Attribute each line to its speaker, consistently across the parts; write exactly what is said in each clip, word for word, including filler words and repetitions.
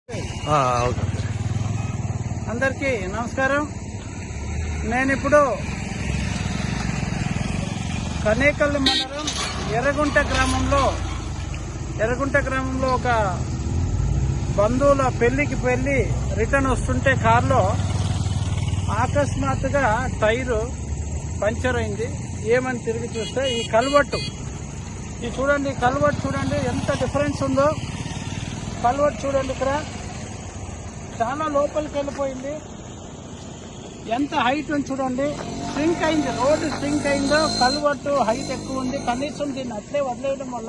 Speaker 1: అందరికీ నమస్కారం. నేను ఇప్పుడు కనేకల్ మండలం ఎర్రగుంట గ్రామంలో ఎర్రగుంట గ్రామంలో ఒక బంధువుల పెళ్లికి వెళ్ళి రిటర్న్ వస్తుంటే కారులో అకస్మాత్తుగా టైరు పంచర్ అయింది. ఏమని తిరిగి చూస్తే ఈ కల్వర్టు ఇది చూడండి, కల్వర్టు చూడండి ఎంత డిఫరెన్స్ ఉందో. కల్వర్టు చూడండి, ఇక్కడ చాలా లోపలికి వెళ్ళిపోయింది. ఎంత హైట్ ఉంది చూడండి, స్ట్రింక్ అయింది, రోడ్డు స్ట్రింక్ అయిందో. కల్వర్టు హైట్ ఎక్కువ ఉంది. కనీసం దీన్ని అట్లే వదిలేయడం వల్ల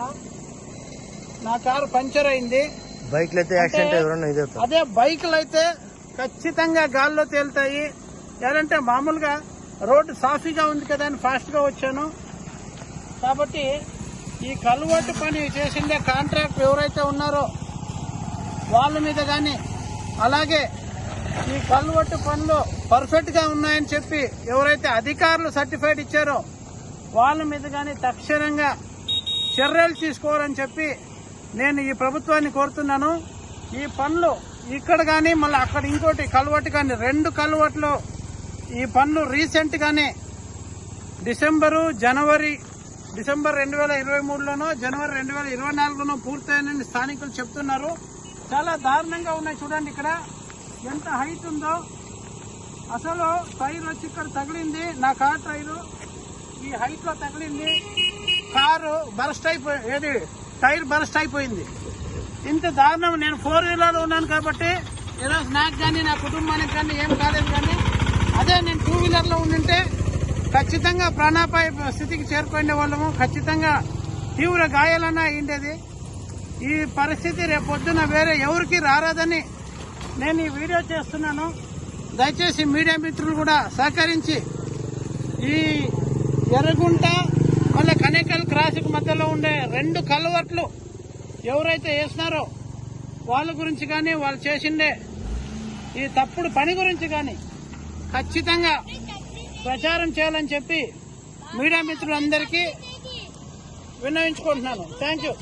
Speaker 1: నా కారు పంచర్ అయింది.
Speaker 2: బైక్లు అయితే యాక్సిడెంట్,
Speaker 1: అదే బైకులు అయితే ఖచ్చితంగా గాల్లో తేలుతాయి. ఏంటంటే మామూలుగా రోడ్డు సాఫీగా ఉంది కదా అని ఫాస్ట్ గా వచ్చాను. కాబట్టి ఈ కల్వర్టు పని చేసిండే కాంట్రాక్ట్ ఎవరైతే ఉన్నారో వాళ్ళ మీద కానీ, అలాగే ఈ కల్వర్టు పనులు పర్ఫెక్ట్ గా ఉన్నాయని చెప్పి ఎవరైతే అధికారులు సర్టిఫైడ్ ఇచ్చారో వాళ్ళ మీద కానీ తక్షణంగా చర్యలు తీసుకోవాలని చెప్పి నేను ఈ ప్రభుత్వాన్ని కోరుతున్నాను. ఈ పనులు ఇక్కడ కానీ మళ్ళీ అక్కడ ఇంకోటి కల్వర్టు కానీ, రెండు కల్వర్టులు ఈ పనులు రీసెంట్ గానే డిసెంబరు జనవరి డిసెంబర్ రెండు వేల ఇరవై మూడులోనో జనవరి రెండు వేల ఇరవై నాలుగులోనో పూర్తయినని స్థానికులు చెప్తున్నారు. చాలా దారుణంగా ఉన్నాయి చూడండి, ఇక్కడ ఎంత హైట్ ఉందో. అసలు టైర్ వచ్చి ఇక్కడ తగిలింది, నా కార్ టైరు ఈ హైట్ లో తగిలింది. కారు బరస్ట్ అయిపోయి ఏది టైర్ బరస్ట్ అయిపోయింది. ఇంత దారుణం. నేను ఫోర్ వీలర్ ఉన్నాను కాబట్టి ఏదో నాకు కానీ నా కుటుంబానికి కానీ ఏం కాలేదు. కానీ అదే నేను టూ వీలర్ లో ఉండింటే ఖచ్చితంగా ప్రాణాపాయ స్థితికి చేరుకునే వాళ్ళము. ఖచ్చితంగా తీవ్ర గాయాలన్నా అయిండేది. ఈ పరిస్థితి రేపొద్దున వేరే ఎవరికి రారాదని నేను ఈ వీడియో చేస్తున్నాను. దయచేసి మీడియా మిత్రులు కూడా సహకరించి ఈ ఎర్రగుంట మళ్ళీ కనేకల్ క్రాస్కి మధ్యలో ఉండే రెండు కల్వర్ట్లు ఎవరైతే వేసినారో వాళ్ళ గురించి కానీ, వాళ్ళు చేసిండే ఈ తప్పుడు పని గురించి కానీ ఖచ్చితంగా ప్రచారం చేయాలని చెప్పి మీడియా మిత్రులందరికీ విన్నవించుకుంటున్నాను. Thank you.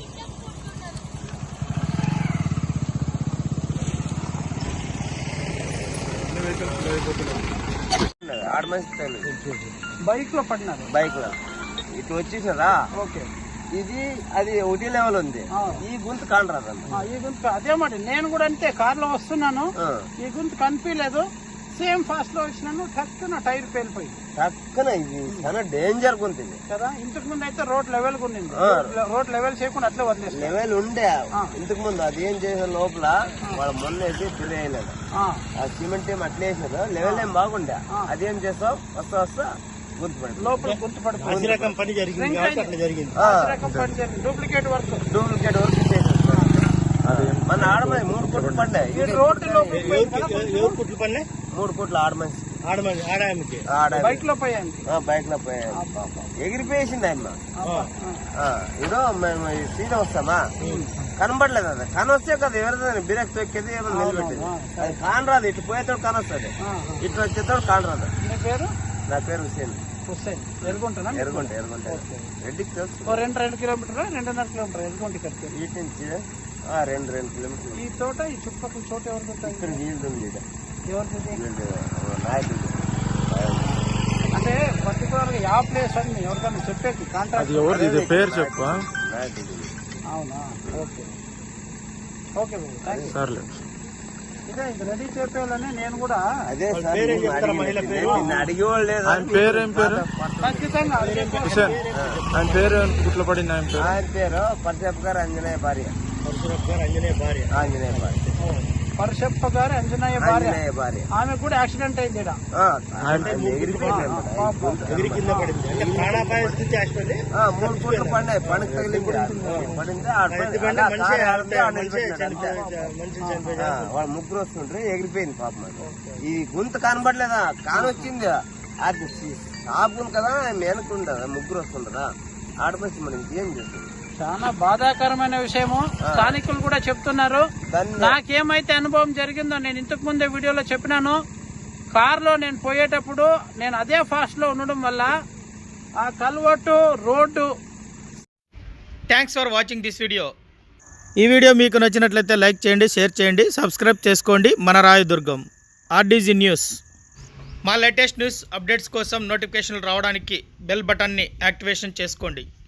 Speaker 1: బైక్ లో పడినారు,
Speaker 2: బైక్ లో ఇటు వచ్చేసినరా.
Speaker 1: ఓకే,
Speaker 2: ఇది అది ఒకటి లెవెల్ ఉంది. ఈ గుంత కానరాదు.
Speaker 1: ఈ గుంత అదే మాట. నేను కూడా అంతే, కార్ లో వస్తున్నాను, ఈ గుంత కనిపించలేదు. సేమ్ ఫాస్ట్ లో వచ్చినాను, టక్కున టైర్ పేలిపోయింది.
Speaker 2: టక్కున ఇది చాలా డేంజర్ గుంత ఇది
Speaker 1: కదా. ఇంతకు ముందు అయితే రోడ్ లెవెల్ గా ఉండింది, రోడ్ లెవెల్ చేయకుండా అట్లే వదిలేదు.
Speaker 2: లెవెల్ ఉండే ఇంతకు ముందు. అది ఏం చేసే లోపల వాళ్ళ మొన్న వేసి తెలియలేదు, ఆ సిమెంట్ ఏం అట్లే వేసారు. లెవెల్ ఏం బాగుండే. అదేం చేస్తావు, వస్తా వస్తా గుర్తుపడి
Speaker 1: లోపల గుర్తుపడి
Speaker 2: రకం పని జరిగింది.
Speaker 1: డూప్లికేట్ వర్క్
Speaker 2: డూప్లికేట్ వర్క్ చేసేస్తారు. మన ఆడమని మూడు కోట్లు పడ్డాయి.
Speaker 1: రోడ్డు
Speaker 2: కోట్లు పడినాయి. మూడు కోట్లు ఆడమని
Speaker 1: బైక్ లో పోయాయి.
Speaker 2: బైక్ లో పోయాయి, ఎగిరిపోయేసింది ఆయన. ఇదో మేము సీదా వస్తామా, కనబడలేదు. అది కనొస్తే కదా ఎవరిదో బిరక్ తొక్కేది ఏమో నిలబెట్టేది. అది కానరాదు. ఇటు పోయేతోడు కానొస్తుంది, ఇటు వచ్చేతోడు కానరాదు.
Speaker 1: పేరు
Speaker 2: నా పేరు హుసేన్.
Speaker 1: హుసేన్. ఎరుగుంటా
Speaker 2: ఎరుగుంట ఎరుగుంట రెడ్డికి తెలుసు.
Speaker 1: రెండు రెండు కిలోమీటర్ రెండున్నర కిలోమీటర్ ఎరుగుంట ఇక్కడికి.
Speaker 2: ఇటు నుంచి రెండు రెండు కిలోమీటర్లు.
Speaker 1: ఈ తోట ఈ చుట్టుపక్కల చోట ఎవరికి
Speaker 2: ఇక్కడ వీళ్ళు ఉంది.
Speaker 1: ఎవరికి
Speaker 2: నాయకుడు
Speaker 1: అంటే పర్టికులర్ గా యా ప్లేస్ అని ఎవరికైనా చెప్పేది కాంట్రాక్ట్
Speaker 2: పేరు చెప్ప.
Speaker 1: అవునా, ఓకే ఓకే బాబు, ఇదే ఇది రెడీ చేయాలని నేను కూడా
Speaker 2: అదే అడిగేవాళ్ళు లేదు.
Speaker 3: పేరేం పేరు?
Speaker 1: ఖచ్చితంగా
Speaker 3: ఆయన పేరు గుట్లో పడింది. ఆయన పేరు
Speaker 2: ఆయన పేరు పరశప్ప గారు అంజనేయ భార్య.
Speaker 3: అంజనేయ భార్య
Speaker 2: ఆంజనేయ భార్య
Speaker 1: పరశప్ప గారు అంజనేయ భార్య.
Speaker 2: భార్య
Speaker 1: ఆమె కూడా యాక్సిడెంట్ అయింది.
Speaker 2: మూడు కోట్లు పడినాయి. పనికి తగిలింది పడింది. వాళ్ళు ముగ్గురు వస్తుంటారు, ఎగిరిపోయింది పాపం. ఈ గుంత కనబడలేదా, కానొచ్చింది. అది షాప్ ఉంది కదా, మేనకుండదా, ముగ్గురు వస్తుంటారా ఆడపడి మరి ఇంకేం చేస్తుంది.
Speaker 1: చాలా బాధాకరమైన విషయము. స్థానికులు కూడా చెప్తున్నారు. నాకేమైతే అనుభవం జరిగిందో నేను ఇంతకు ముందే వీడియోలో చెప్పినాను. కారులో నేను పోయేటప్పుడు నేను అదే ఫాస్ట్ లో ఉండడం వల్ల ఆ culvert road.
Speaker 4: Thanks for watching this video. ఈ వీడియో మీకు నచ్చినట్లయితే లైక్ చేయండి, షేర్ చేయండి, సబ్స్క్రైబ్ చేసుకోండి. మన రాయదుర్గం ఆర్డీజీ న్యూస్. మా లేటెస్ట్ న్యూస్ అప్డేట్స్ కోసం నోటిఫికేషన్లు రావడానికి బెల్ బటన్ని యాక్టివేషన్ చేసుకోండి.